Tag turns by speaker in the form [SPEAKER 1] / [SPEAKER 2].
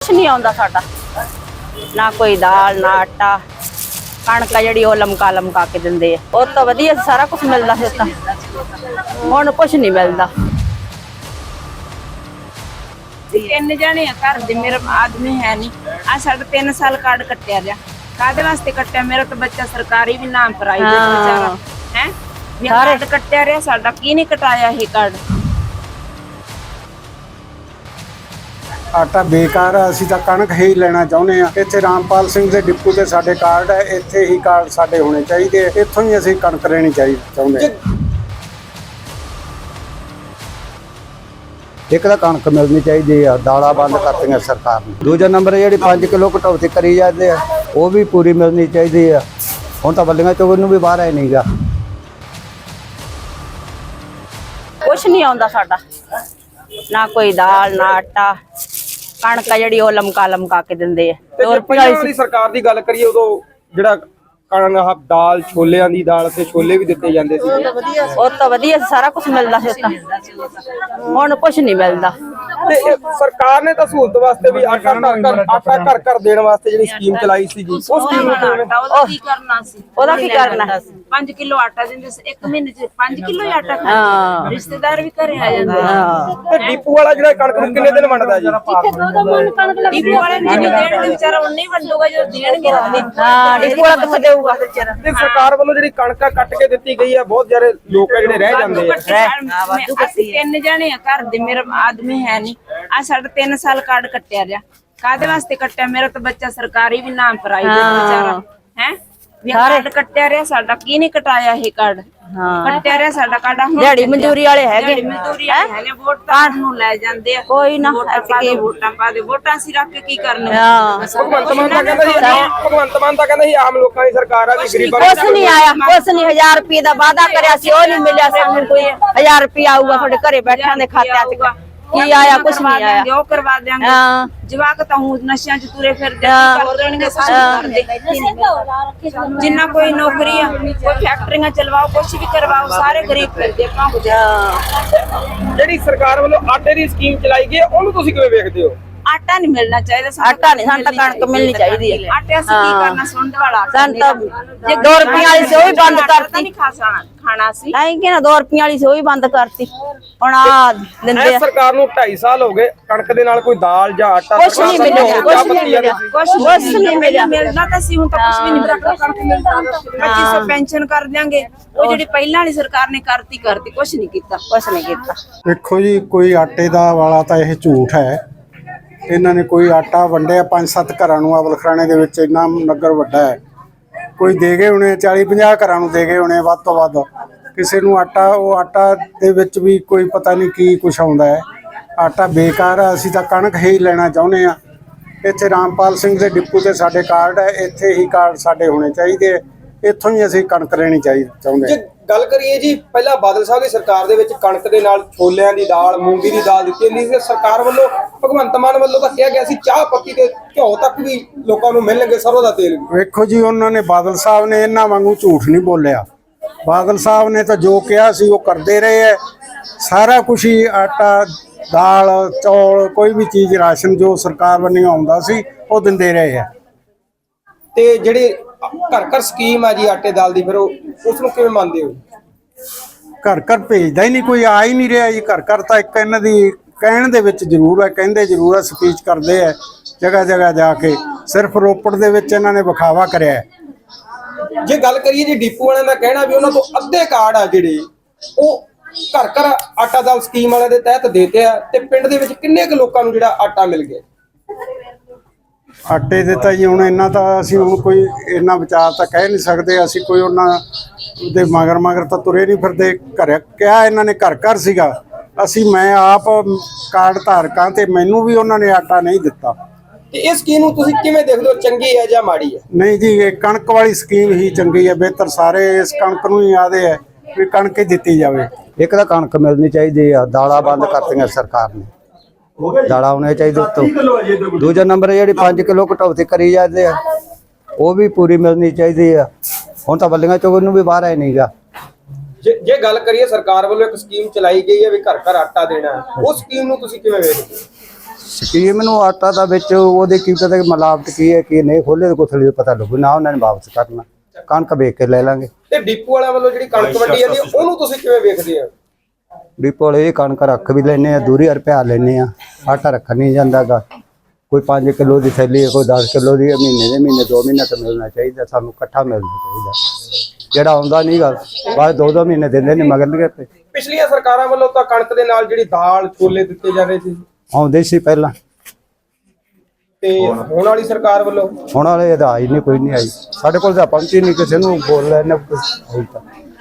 [SPEAKER 1] ਕੁਛ ਨਹੀਂ ਆਉਂਦਾ ਸਾਡਾ, ਨਾ ਕੋਈ ਦਾਲ ਨਾ ਆਟਾ। ਕਣਕ ਜਿਹੜੀ ਉਹ ਲਮਕਾ ਲਮਕਾ ਕੇ ਦਿੰਦੇ ਆ, ਉਹ ਤਾਂ ਵਧੀਆ ਸਾਰਾ ਕੁਝ ਮਿਲਦਾ ਸੀ। ਤਾਂ ਹੁਣ ਕੁਛ ਨਹੀਂ ਮਿਲਦਾ।
[SPEAKER 2] ਤਿੰਨ ਜਣੇ ਆ ਘਰ ਦੇ, ਮੇਰਾ ਆਦਮੀ ਹੈ ਨਹੀਂ। ਆ ਸਾਡਾ 3 ਸਾਲ ਕਾਰਡ ਕੱਟਿਆ ਰਿਹਾ। ਕਾਹਦੇ ਵਾਸਤੇ ਕੱਟਿਆ? ਮੇਰਾ ਤਾਂ ਬੱਚਾ ਸਰਕਾਰੀ ਵੀ ਨਾਮ ਪ੍ਰਾਈਵੇਟ ਵਿਚਾਰਾ ਹੈ। ਕਾਰਡ ਕੱਟਿਆ ਰਿਹਾ ਸਾਡਾ, ਕੀ ਨਹੀਂ ਕਟਾਇਆ ਇਹ ਕਾਰਡ?
[SPEAKER 3] ਆਟਾ ਬੇਕਾਰ ਆ। ਅਸੀਂ ਤਾਂ ਕਣਕ ਹੀ ਲੈਣਾ ਚਾਹੁੰਦੇ ਆ। ਇੱਥੇ ਰਾਮਪਾਲ ਸਿੰਘ ਦੇ ਡਿਪੂ ਤੇ ਸਾਡੇ ਕਾਰਡ ਹੈ, ਇੱਥੇ ਹੀ ਕਾਰਡ ਸਾਡੇ ਹੋਣੇ ਚਾਹੀਦੇ। ਇੱਥੋਂ ਹੀ ਅਸੀਂ ਕਣਕ ਲੈਣੀ ਚਾਹੁੰਦੇ। ਇੱਕ ਤਾਂ ਕਣਕ ਮਿਲਣੀ ਚਾਹੀਦੀ ਆ, ਦਾਲਾਂ ਬੰਦ ਕਰਤੀਆਂ ਸਰਕਾਰ ਨੇ। ਦੂਜਾ ਨੰਬਰ ਜਿਹੜੀ 5 ਕਿਲੋ ਘਟੌਤੀ ਕਰੀ ਜਾਂਦੇ ਆ, ਉਹ ਵੀ ਪੂਰੀ ਮਿਲਣੀ ਚਾਹੀਦੀ ਆ। ਹੁਣ ਤਾਂ ਬੱਲੀਆਂ ਚੋਂ ਨੂੰ ਵੀ ਬਾਹਰ ਆਏ ਨਹੀਂਗਾ।
[SPEAKER 1] ਕੁਛ ਨਹੀਂ ਆਉਂਦਾ ਸਾਡਾ, ਨਾ ਕੋਈ ਦਾਲ ਨਾ ਆਟਾ। ਕਣਕ ਜਿਹੜੀ ਉਹ ਲਮਕਾ ਲਮਕਾ ਕੇ ਦਿੰਦੇ ਆ।
[SPEAKER 4] ਵਾਲੀ ਸਰਕਾਰ ਦੀ ਗੱਲ ਕਰੀਏ, ਉਦੋਂ ਜਿਹੜਾ ਕਣਕ ਦਾਲ, ਛੋਲਿਆਂ ਦੀ ਦਾਲ ਤੇ ਛੋਲੇ ਵੀ ਦਿੱਤੇ ਜਾਂਦੇ ਸੀ।
[SPEAKER 1] ਉਹ ਤਾਂ ਵਧੀਆ ਸਾਰਾ ਕੁਝ ਮਿਲਦਾ ਸੀ। ਤਾਂ ਹੁਣ ਕੁਛ ਨਹੀਂ ਮਿਲਦਾ।
[SPEAKER 4] ਤੇ ਸਰਕਾਰ ਨੇ ਤਾਂ ਸਹੂਲਤ ਵਾਸਤੇ ਵੀ ਆਟਾ ਘਰ ਘਰ ਦੇਣ ਵਾਸਤੇ ਜਿਹੜੀ ਸਕੀਮ ਚਲਾਈ ਸੀ ਜੀ, ਉਸ ਸਕੀਮ ਨੂੰ
[SPEAKER 2] ਉਹਦਾ ਕੀ ਕਰਨਾ ਸੀ?
[SPEAKER 1] ਉਹਦਾ ਕੀ ਕਰਨਾ?
[SPEAKER 2] 5 ਕਿਲੋ ਆਟਾ ਦਿੰਦੇ ਸੀ, 1 ਮਹੀਨੇ ਚ 5 ਕਿਲੋ ਆਟਾ ਖਾਂਦੇ। ਰਿਸ਼ਤੇਦਾਰ ਵੀ ਘਰੇ ਆ ਜਾਂਦੇ।
[SPEAKER 4] ਤੇ ਡਿਪੂ ਵਾਲਾ ਜਿਹੜਾ ਕਣਕ ਨੂੰ ਕਿੰਨੇ ਦਿਨ ਵੰਡਦਾ ਜੀ?
[SPEAKER 2] ਡਿਪੂ ਵਾਲੇ ਨੂੰ ਦੇਣਗੇ ਵਿਚਾਰਾ, ਉਹਨੇ ਹੀ ਵੰਡੂਗਾ ਜਦੋਂ ਦੇਣਗੇ।
[SPEAKER 1] ਹਾਂ, ਡਿਪੂ ਵਾਲਾ ਕਿੱਥੇ ਦੇਊਗਾ?
[SPEAKER 4] ਤੇ ਸਰਕਾਰ ਵੱਲੋਂ ਜਿਹੜੀ ਕਣਕ ਕੱਟ ਕੇ ਦਿੱਤੀ ਗਈ ਹੈ, ਬਹੁਤ ਸਾਰੇ ਲੋਕ ਜਿਹੜੇ ਰਹਿ ਜਾਂਦੇ ਆ।
[SPEAKER 2] ਅਸੀਂ 3 ਜਣੇ ਆ ਘਰ ਦੇ, ਮੇਰਾ ਆਦਮੀ ਹੈ ਨਹੀਂ। ਆ ਸਾਡਾ 3 ਸਾਲ ਕਾਰਡ ਕੱਟਿਆ ਰਿਹਾ। ਕਾਹਦੇ ਵਾਸਤੇ ਕੱਟਿਆ? ਮੇਰਾ ਤਾਂ ਬੱਚਾ ਸਰਕਾਰੀ ਵੀ ਨਾਮ ਪ੍ਰਾਈਵੇਟ ਵਿਚਾਰਾ ਹੈ। ਕਾਰਡ ਕੱਟਿਆ ਰਿਹਾ ਸਾਡਾ, ਕੀ ਨਹੀਂ ਕਟਾਇਆ ਇਹ ਕਾਰਡ? ਕੱਟਿਆ ਰਿਹਾ ਸਾਡਾ ਕਾਰਡ।
[SPEAKER 1] ਦਿਹਾੜੀ ਮਜ਼ਦੂਰੀ ਵਾਲੇ ਹੈਗੇ,
[SPEAKER 2] ਮਜ਼ਦੂਰੀ ਵਾਲੇ ਹੈਗੇ, ਵੋਟਾਂ ਨੂੰ ਲੈ ਜਾਂਦੇ ਆ।
[SPEAKER 1] ਕੋਈ ਨਾ
[SPEAKER 2] ਵੋਟਾਂ ਪਾ ਦੇ, ਵੋਟਾਂ ਅਸੀਂ ਰੱਖ ਕੇ ਕੀ ਕਰਨੇ?
[SPEAKER 4] ਭਗਵੰਤ ਮਾਨ ਤਾਂ ਕਹਿੰਦਾ ਸੀ ਆਮ ਲੋਕਾਂ ਦੀ ਸਰਕਾਰ ਆ ਵੀ ਗਰੀਬਾਂ
[SPEAKER 1] ਕੁਛ ਨਹੀਂ ਆਇਆ, ਕੁਛ ਨਹੀਂ। 1000 ਰੁਪਏ ਦਾ ਵਾਅਦਾ ਕਰਿਆ ਸੀ, ਉਹ ਨਹੀਂ ਮਿਲਿਆ ਸਾਨੂੰ। ਕੋਈ 1000 ਰੁਪਏ ਆਊਗਾ ਤੁਹਾਡੇ ਘਰੇ ਬੈਠਿਆਂ ਦੇ ਖਾਤਿਆਂ 'ਚ, ਕੀ ਆਇਆ? ਕੁਛ ਨਹੀਂ ਆਇਆ।
[SPEAKER 2] ਉਹ ਕਰਵਾ ਦਿਆਂਗੇ। ਜਵਾਕ ਤਾਂ ਹੁਣ ਨਸ਼ਿਆਂ 'ਚ ਤੁਰੇ ਫਿਰਦੇ, ਕਰ ਦੇਣਗੇ ਕਰਦੇ। ਜਿੰਨਾ ਕੋਈ ਨੌਕਰੀ ਆ, ਕੋਈ ਫੈਕਟਰੀਆਂ ਚਲਵਾਓ, ਕੁਛ ਵੀ ਕਰਵਾਓ, ਸਾਰੇ ਗਰੀਬ ਫਿਰਦੇ ਭੌਂਕਦੇ।
[SPEAKER 4] ਜਿਹੜੀ ਸਰਕਾਰ ਵੱਲੋਂ ਆਟੇ ਦੀ ਸਕੀਮ ਚਲਾਈ ਗਈ, ਉਹਨੂੰ ਤੁਸੀਂ ਕਿਵੇਂ ਵੇਖਦੇ ਹੋ?
[SPEAKER 2] ਆਟਾ ਨਹੀਂ ਮਿਲਣਾ ਚਾਹੀਦਾ।
[SPEAKER 1] ਆਟਾ ਨਹੀਂ, ਸਾਨੂੰ ਤਾਂ ਕਣਕ ਮਿਲਣੀ ਚਾਹੀਦੀ ਹੈ।
[SPEAKER 2] ਆਟੇ ਅਸੀਂ ਕੀ ਕਰਨਾ? ਸੁੰਡ ਵਾਲਾ
[SPEAKER 1] ਸਾਨੂੰ ਤਾਂ ਜੇ 2 ਰੁਪਏ ਵਾਲੀ ਸੀ ਉਹ ਵੀ ਬੰਦ ਕਰਤੀ।
[SPEAKER 2] ਨਹੀਂ ਖਾਣਾ ਸੀ
[SPEAKER 1] ਨਹੀਂ ਕਿ ਨਾ 2 ਰੁਪਏ ਵਾਲੀ ਸੀ ਉਹ ਵੀ ਬੰਦ ਕਰਤੀ। ਹੁਣ ਆ ਦਿੰਦੇ ਆ।
[SPEAKER 4] ਸਰਕਾਰ ਨੂੰ 2.5 ਸਾਲ ਹੋ ਗਏ, ਕਣਕ ਦੇ ਨਾਲ ਕੋਈ ਦਾਲ ਜਾਂ ਆਟਾ
[SPEAKER 1] ਕੁਛ ਨਹੀਂ ਮਿਲਿਆ, ਕੁਛ ਨਹੀਂ ਮਿਲਿਆ, ਕੁਛ ਨਹੀਂ ਮਿਲਿਆ।
[SPEAKER 2] ਮਿਲਦਾ ਤਾਂ ਸੀ, ਹੁਣ ਤਾਂ ਕੁਛ ਵੀ ਨਹੀਂ ਮਿਲਦਾ। ਕਣਕ ਮਿਲਦਾ 2500 ਪੈਨਸ਼ਨ ਕਰ ਦਿਆਂਗੇ। ਉਹ ਜਿਹੜੀ ਪਹਿਲਾਂ ਵਾਲੀ ਸਰਕਾਰ ਨੇ ਕਰਤੀ, ਕੁਛ ਨਹੀਂ ਕੀਤਾ।
[SPEAKER 1] ਕੁਛ ਨਹੀਂ ਕੀਤਾ।
[SPEAKER 3] ਦੇਖੋ ਜੀ, ਕੋਈ ਆਟੇ ਦਾ ਵਾਲਾ ਤਾਂ ਇਹ ਝੂਠ ਹੈ। ਇਹਨਾਂ ਨੇ ਕੋਈ ਆਟਾ ਵੰਡਿਆ 5-7 ਘਰਾਂ ਨੂੰ। ਅਵਲਖਰਾਣੇ ਦੇ ਵਿੱਚ ਇੰਨਾ ਨਗਰ ਵੱਡਾ ਹੈ, ਕੋਈ ਦੇ ਗਏ ਹੋਣੇ 40-50 ਘਰਾਂ ਨੂੰ ਦੇ ਗਏ ਹੋਣੇ ਵੱਧ ਤੋਂ ਵੱਧ। ਕਿਸੇ ਨੂੰ ਆਟਾ, ਉਹ ਆਟਾ ਦੇ ਵਿੱਚ ਵੀ ਕੋਈ ਪਤਾ ਨਹੀਂ ਕੀ ਕੁਛ ਆਉਂਦਾ ਹੈ। ਆਟਾ ਬੇਕਾਰ ਆ। ਅਸੀਂ ਤਾਂ ਕਣਕ ਹੀ ਲੈਣਾ ਚਾਹੁੰਦੇ ਆ। ਇੱਥੇ ਰਾਮਪਾਲ ਸਿੰਘ ਦੇ ਡਿਪੂ ਤੇ ਸਾਡੇ ਕਾਰਡ ਹੈ, ਇੱਥੇ ਹੀ ਕਾਰਡ ਸਾਡੇ ਹੋਣੇ ਚਾਹੀਦੇ। ਇੱਥੋਂ ਹੀ ਅਸੀਂ ਕਣਕ ਲੈਣੀ ਚਾਹੁੰਦੇ।
[SPEAKER 4] ਗੱਲ ਕਰੀਏ ਜੀ, ਪਹਿਲਾਂ ਬਾਦਲ ਸਾਹਿਬ ਦੀ ਸਰਕਾਰ ਦੇ ਵਿੱਚ ਕਣਕ ਦੇ ਨਾਲ ਛੋਲਿਆਂ ਦੀ ਦਾਲ, ਮੂੰਗੀ ਦੀ ਦਾਲ ਦਿੱਤੀ ਜਾਂਦੀ ਸੀ। ਸਰਕਾਰ ਵੱਲੋਂ, ਭਗਵੰਤ ਮਾਨ ਵੱਲੋਂ ਤਾਂ ਕਿਹਾ ਗਿਆ ਸੀ ਚਾਹ ਪੱਤੀ ਤੇ ਘਿਓ ਤੱਕ ਵੀ ਲੋਕਾਂ ਨੂੰ ਮਿਲਣਗੇ, ਸਰੋਂ ਦਾ ਤੇਲ ਵੀ।
[SPEAKER 3] ਵੇਖੋ ਜੀ, ਉਹਨਾਂ ਨੇ, ਬਾਦਲ ਸਾਹਿਬ ਨੇ ਇਹਨਾਂ ਵਾਂਗੂ ਝੂਠ ਨਹੀਂ ਬੋਲਿਆ। ਬਾਦਲ ਸਾਹਿਬ ਨੇ ਤਾਂ ਜੋ ਕਿਹਾ ਸੀ ਉਹ ਕਰਦੇ ਰਹੇ ਹੈ। ਸਾਰਾ ਕੁਛ ਹੀ ਆਟਾ, ਦਾਲ, ਚੌਲ, ਕੋਈ ਵੀ ਚੀਜ਼, ਰਾਸ਼ਨ ਜੋ ਸਰਕਾਰ ਵੱਲੋਂ ਆਉਂਦਾ ਸੀ ਉਹ ਦਿੰਦੇ ਰਹੇ ਹੈ।
[SPEAKER 4] ਤੇ ਜਿਹੜੇ ਘਰ ਘਰ ਸਕੀਮ ਆ ਜੀ ਆਟੇ ਦਾਲ ਦੀ, ਫਿਰ ਉਸ ਨੂੰ ਕਿਵੇਂ ਮੰਨਦੇ ਹੋ?
[SPEAKER 3] ਘਰ ਘਰ ਭੇਜਦਾ ਹੀ ਨਹੀਂ ਕੋਈ, ਆ ਹੀ ਨਹੀਂ ਰਿਹਾ ਜੀ। ਘਰ ਘਰ ਤਾਂ ਇੱਕ ਇਹਨਾਂ ਦੀ ਕਹਿਣ ਦੇ ਵਿੱਚ ਜ਼ਰੂਰ ਹੈ, ਕਹਿੰਦੇ ਜ਼ਰੂਰ ਹੈ, ਸਪੀਚ ਕਰਦੇ ਹੈ ਜਗ੍ਹਾ ਜਗ੍ਹਾ ਜਾ ਕੇ। ਸਿਰਫ ਰੋਪੜ ਦੇ ਵਿੱਚ ਇਹਨਾਂ ਨੇ ਵਿਖਾਵਾ ਕਰਿਆ ਹੈ।
[SPEAKER 4] ਜੇ ਗੱਲ ਕਰੀਏ ਜੀ, ਡਿਪੂ ਵਾਲਿਆਂ ਦਾ ਕਹਿਣਾ ਵੀ ਉਹਨਾਂ ਤੋਂ ਅੱਧੇ ਕਾਰਡ ਆ ਜਿਹੜੇ ਉਹ ਘਰ ਘਰ ਆਟਾ ਦਾਲ ਸਕੀਮ ਵਾਲਿਆਂ ਦੇ ਤਹਿਤ ਦੇਤੇ ਆ। ਤੇ ਪਿੰਡ ਦੇ ਵਿੱਚ ਕਿੰਨੇ ਕੁ ਲੋਕਾਂ ਨੂੰ ਜਿਹੜਾ ਆਟਾ ਮਿਲ ਗਿਆ?
[SPEAKER 3] ਆਟੇ ਦੇ ਤਾਂ ਜੀ ਹੁਣ ਇੰਨਾ ਤਾਂ ਅਸੀਂ ਹੁਣ ਕੋਈ ਇੰਨਾ ਵਿਚਾਰ ਤਾਂ ਕਹਿ ਨਹੀਂ ਸਕਦੇ। ਅਸੀਂ ਕੋਈ ਉਹਨਾਂ ਦੇ ਮਗਰ ਤਾਂ ਤੁਰੇ ਨਹੀਂ ਫਿਰਦੇ। ਘਰ ਕਿਹਾ ਇਹਨਾਂ ਨੇ ਘਰ ਘਰ ਸੀਗਾ। ਮੈਂ ਆਪ ਕਾਰਡ ਧਾਰਕਾਂ ਤੇ ਮੈਨੂੰ ਵੀ ਉਹਨਾਂ ਨੇ ਆਟਾ ਨਹੀਂ ਦਿੱਤਾ।
[SPEAKER 4] ਤੇ ਇਸ ਸਕੀਮ ਨੂੰ ਤੁਸੀਂ ਕਿਵੇਂ ਦੇਖਦੇ ਹੋ? ਚੰਗੀ ਹੈ ਜਾਂ ਮਾੜੀ ਹੈ?
[SPEAKER 3] ਨਹੀਂ ਜੀ, ਇਹ ਕਣਕ ਵਾਲੀ ਸਕੀਮ ਹੀ ਚੰਗੀ ਹੈ, ਬਿਹਤਰ। ਸਾਰੇ ਇਸ ਕਣਕ ਨੂੰ ਹੀ ਆਦੇ ਹੈ ਵੀ ਕਣਕ ਹੀ ਦਿੱਤੀ ਜਾਵੇ। ਇੱਕ ਤਾਂ ਕਣਕ ਮਿਲਣੀ ਚਾਹੀਦੀ ਆ। ਦਾਲਾਂ ਬੰਦ ਕਰਤੀਆਂ ਸਰਕਾਰ ਨੇ, ਦਾਲਾਂ ਹੋਣੀਆਂ ਚਾਹੀਦੀਆਂ ਉੱਤੋਂ। ਦੂਜਾ ਨੰਬਰ ਜਿਹੜੀ 5 ਕਿਲੋ ਘਟੌਤੀ ਕਰੀ ਜਾਂਦੇ ਆ, ਉਹ ਵੀ ਪੂਰੀ ਮਿਲਣੀ ਚਾਹੀਦੀ ਆ। ਹੁਣ ਤਾਂ ਬੱਲੀਆਂ ਚੋਂ ਨੂੰ ਵੀ ਬਾਹਰ ਆਏ ਨਹੀਂਗਾ।
[SPEAKER 4] ਜੇ ਗੱਲ ਕਰੀਏ, ਸਰਕਾਰ ਵੱਲੋਂ ਇੱਕ ਸਕੀਮ ਚਲਾਈ ਗਈ ਹੈ ਵੀ ਘਰ ਘਰ ਆਟਾ ਦੇਣਾ ਹੈ, ਉਹ ਸਕੀਮ ਨੂੰ ਤੁਸੀਂ ਕਿਵੇਂ ਵੇਖਦੇ ਹੋ?
[SPEAKER 5] ਸਕੀਮ ਨੂੰ ਆਟਾ ਦਾ ਵਿੱਚ ਉਹਦੇ ਕੀ ਪਤਾ ਕਿ ਮਿਲਾਵਟ ਕੀ ਹੈ ਕੀ ਨਹੀਂ, ਖੋਲੇ ਕੁਛ ਨਹੀਂ ਪਤਾ ਲੱਗੂ ਨਾ, ਉਹਨਾਂ ਨੇ ਵਾਪਸ ਕਰਨਾ, ਕਣਕ ਵੇਚ ਕੇ ਲੈ ਲਾਂਗੇ।
[SPEAKER 4] ਤੇ ਡਿਪੂ ਵਾਲਿਆਂ ਵੱਲੋਂ ਜਿਹੜੀ ਕਣਕ ਵੰਡੀ ਜਾਂਦੀ ਹੈ ਉਹਨੂੰ ਤੁਸੀਂ ਕਿਵੇਂ ਵੇਖਦੇ ਆ?
[SPEAKER 5] ਡਿਪੋ ਵਾਲੇ ਇਹ ਕਣਕ ਰੱਖ ਵੀ ਲੈਨੇ ਆ, ਦੂਰੀ ਰੁਪਿਆ ਲੈਨੇ ਆ, ਆਟਾ ਰੱਖ ਨਹੀਂ ਜਾਂਦਾਗਾ। ਕੋਈ 5 ਕਿਲੋ ਦੀ ਥੈਲੀ ਹੈ, ਕੋਈ 10 ਕਿਲੋ ਦੀ, ਮਹੀਨੇ ਦੇ ਮਹੀਨੇ 2 ਮਹੀਨੇ ਤਾਂ ਮਿਲਣਾ ਚਾਹੀਦਾ, ਸਾਨੂੰ ਇਕੱਠਾ ਮਿਲਣਾ ਚਾਹੀਦਾ। ਜਿਹੜਾ ਆਉਂਦਾ ਨਹੀਂ ਗਾ ਬਾਅਦ 2-2 ਮਹੀਨੇ ਦਿੰਦੇ ਨੇ ਮਗਰ ਲਗੇ ਤੇ।
[SPEAKER 4] ਪਿਛਲੀਆਂ ਸਰਕਾਰਾਂ ਵੱਲੋਂ ਤਾਂ ਕਣਕ ਦੇ ਨਾਲ ਜਿਹੜੀ ਦਾਲ ਛੋਲੇ ਦਿੱਤੇ ਜਾਂਦੇ ਸੀ,
[SPEAKER 5] ਆਉਂਦੇ ਸੀ ਪਹਿਲਾਂ,
[SPEAKER 4] ਤੇ ਹੁਣ ਵਾਲੀ ਸਰਕਾਰ ਵੱਲੋਂ
[SPEAKER 5] ਹੁਣ ਵਾਲੇ ਇਹਦਾ ਆਈ ਨਹੀਂ, ਕੋਈ ਨਹੀਂ ਆਈ ਸਾਡੇ ਕੋਲ ਤਾਂ ਪਹੁੰਚੀ ਨਹੀਂ, ਕਿਸੇ ਨੂੰ ਬੋਲ ਲੈਣੇ ਕੁਝ।